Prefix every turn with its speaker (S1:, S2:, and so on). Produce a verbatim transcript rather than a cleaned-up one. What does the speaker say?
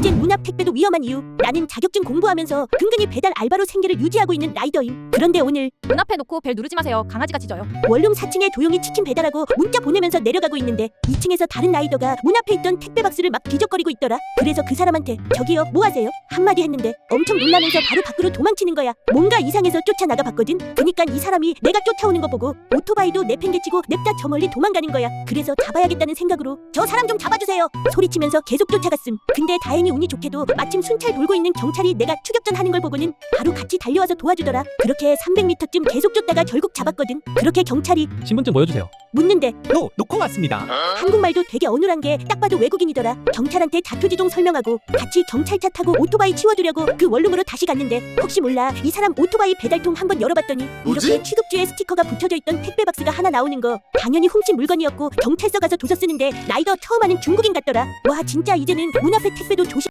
S1: 이젠 문 앞 택배도 위험한 이유. 나는 자격증 공부하면서 근근히 배달 알바로 생계를 유지하고 있는 라이더임. 그런데 오늘
S2: 문 앞에 놓고 벨 누르지 마세요. 강아지가 짖어요.
S1: 원룸 사 층에 조용히 치킨 배달하고 문자 보내면서 내려가고 있는데 이 층에서 다른 라이더가 문 앞에 있던 택배 박스를 막 뒤적거리고 있더라. 그래서 그 사람한테 저기요 뭐 하세요? 한마디 했는데 엄청 놀라면서 바로 밖으로 도망치는 거야. 뭔가 이상해서 쫓아나가 봤거든. 그니까 이 사람이 내가 쫓아오는 거 보고 오토바이도 내팽개치고 냅다 저 멀리 도망가는 거야. 그래서 잡아야겠다는 생각으로 저 사람 좀 잡아주세요 소리치면서 계속 쫓아갔음. 근데 다행히 운이 좋게도 마침 순찰 돌고 있는 경찰이 내가 추격전 하는 걸 보고는 바로 같이 달려와서 도와주더라. 그렇게 삼백 미터쯤 계속 쫓다가 결국 잡았거든. 그렇게 경찰이
S3: 신분증 보여주세요.
S1: 묻는데
S4: 노, 놓고 왔습니다.
S1: 한국말도 되게 어눌한 게 딱 봐도 외국인이더라. 경찰한테 자초지종 설명하고 같이 경찰차 타고 오토바이 치워두려고 그 원룸으로 다시 갔는데 혹시 몰라 이 사람 오토바이 배달통 한번 열어봤더니
S4: 뭐지?
S1: 이렇게 취급주에 스티커가 붙여져 있던 택배 박스가 하나 나오는 거. 당연히 훔친 물건이었고 경찰서 가서 도서 쓰는데 라이더 처음 하는 중국인 같더라. 와 진짜 이제는 문 앞에 택배도 조심